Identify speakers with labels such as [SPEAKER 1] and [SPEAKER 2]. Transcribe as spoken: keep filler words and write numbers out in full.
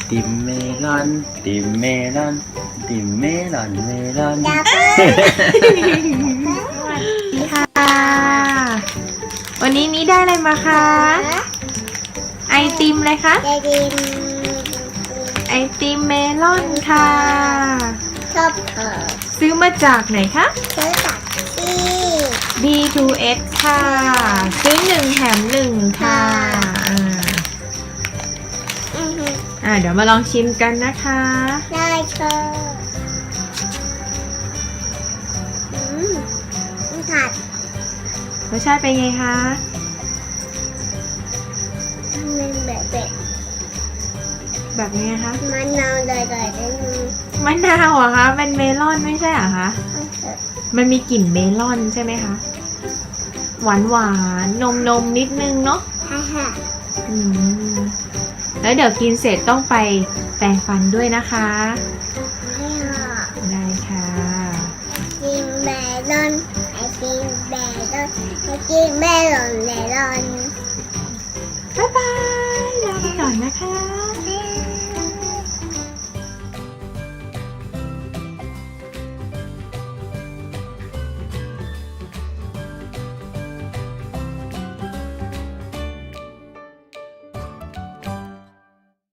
[SPEAKER 1] ติมเมลอนติมเมลอนติมเมลอนเมลอน
[SPEAKER 2] ดับ
[SPEAKER 3] สวัสดีค่ะ วันนี้นี้ได้อะไรมาคะ ไอติมเลยคะ
[SPEAKER 2] จะดิน
[SPEAKER 3] ไอติมเมลอนค่ะ
[SPEAKER 2] ชอบเออ
[SPEAKER 3] ซื้อมาจากไหนคะ
[SPEAKER 2] ซื้อจากที่
[SPEAKER 3] บี ทู เอส ค่ะ ซื้อหนึ่งแถมหนึ่งค่ะอ่า
[SPEAKER 2] อือฮึ
[SPEAKER 3] อ่าเดี๋ยวมาลองชิมกันนะคะ
[SPEAKER 2] ได้เชออืมมันผัด
[SPEAKER 3] รสชาติเป็นไงคะ
[SPEAKER 2] มันแบบแบบ
[SPEAKER 3] แบบนี้คะ
[SPEAKER 2] มันนาวเลยเลยได้นึง
[SPEAKER 3] มะนาวเหรอคะเป็นเมลอนไม่ใช่เหรอคะ
[SPEAKER 2] เอาเถอะ
[SPEAKER 3] มันมีกลิ่นเมลอนใช่ไหมคะ หวานหวานนมนมๆนิดนึงเนาะ
[SPEAKER 2] ฮ่าฮ่า
[SPEAKER 3] อืมแล้วเดี๋ยวกินเสร็จต้องไปแปรงฟันด้วยนะคะ
[SPEAKER 2] ให้ห่อ
[SPEAKER 3] ได้ค่ะ
[SPEAKER 2] กินเมลอนไอติมเมลอนไอติมเมลอนเมลอน
[SPEAKER 3] บ๊ายบายลาไปก่อนนะคะ